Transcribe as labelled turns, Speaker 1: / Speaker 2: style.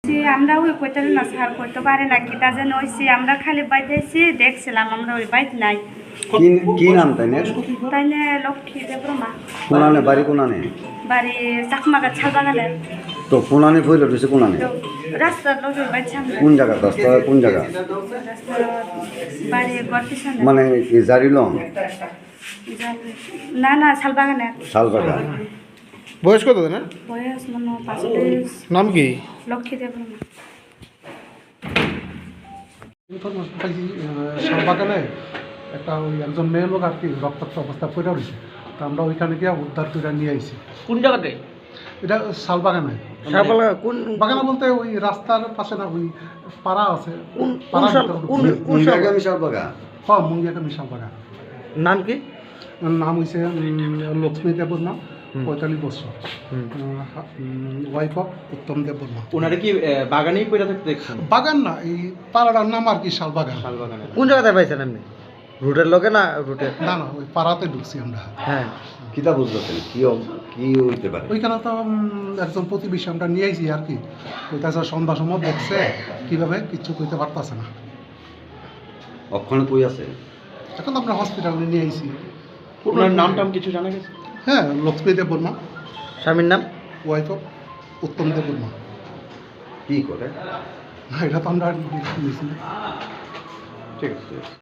Speaker 1: হয়েছি আমরা ওই কইতে না স্যার করতে পারে না কি তা যেন হয়েছি আমরা খালি বাইতেছি দেখছিলাম আমরা ওই বাইত নাই
Speaker 2: কি নাম তাই না
Speaker 1: তাই না লক্ষ্মী দেবরমা
Speaker 2: কোনানে বাড়ি কোনানে
Speaker 1: বাড়ি চাকমাগা ছালবাগানে
Speaker 2: তো কোনানে ফইল রয়েছে কোনানে
Speaker 1: রাস্তার লোকের বাড়ি সামনে
Speaker 2: কোন জায়গা রাস্তা কোন জায়গা
Speaker 1: রাস্তার বাড়ি ঘর পিছনে
Speaker 2: মানে এই জারিলং
Speaker 1: না না শালবাগানে
Speaker 2: শালবাগা
Speaker 3: বয়স কত না
Speaker 1: বয়স মনে হয় 35
Speaker 3: নাম কি
Speaker 1: লক্ষ্মী দেবরমা
Speaker 4: ইনফরমেশন পাইছি শালবাগানে একটা ওই একজন মেয়ে লোক আর কি রক্তাক্ত অবস্থা পড়ে রয়েছে তো আমরা ওইখানে গিয়ে উদ্ধার করে নিয়ে আইছি
Speaker 3: কোন জায়গাতে
Speaker 4: এটা শালবাগানে
Speaker 3: শাহবালা কোন
Speaker 4: বাগানে বলতে ওই রাস্তার পাশে না ওই পাড়া আছে
Speaker 3: কোন
Speaker 4: পাড়ার
Speaker 3: শাল-
Speaker 4: ভিতরে
Speaker 3: কোন
Speaker 4: ঢুকছে।
Speaker 3: কোন শাল-
Speaker 2: আমি শালবাগা
Speaker 4: হ্যাঁ মুঙ্গিয়াকামি শালবাগান
Speaker 3: নাম কি
Speaker 4: নাম হয়েছে লক্ষ্মী দেববর্মা 45 বছর ওয়াইফ অফ উত্তম দেববর্মা
Speaker 5: ওনারা কি বাগানেই পড়ে থাকতে দেখছেন
Speaker 4: বাগান না এই পাড়াটার নাম আর কি শালবাগান
Speaker 5: শালবাগানে
Speaker 3: কোন জায়গাতে পাইছেন আপনি রুটের লোকে না রুটে
Speaker 4: না না ওই পাড়াতে ঢুকছি আমরা
Speaker 3: হ্যাঁ
Speaker 2: কিতা বুঝতেছেন কি হইতে পারে
Speaker 4: ওইখানে তো একজন প্রতিবেশী আমরা নিয়ে আইছি আর কি কইতাছে সন্ধ্যা সময় দেখছে কিভাবে কিচ্ছু কইতে পারতাছে না
Speaker 2: অক্ষণে কই আছে
Speaker 4: এখন আমরা হসপিটালে নিয়ে আইছি
Speaker 5: ওনার নাম টাম কিছু জানা গেছে
Speaker 4: হ্যাঁ লক্ষ্মী দেব বর্মা
Speaker 3: স্বামীর নাম
Speaker 4: ওয়াইফ অফ উত্তম দেব বর্মা
Speaker 2: কি করে
Speaker 4: এটা তো আমরা নিয়েছি
Speaker 2: ঠিক আছে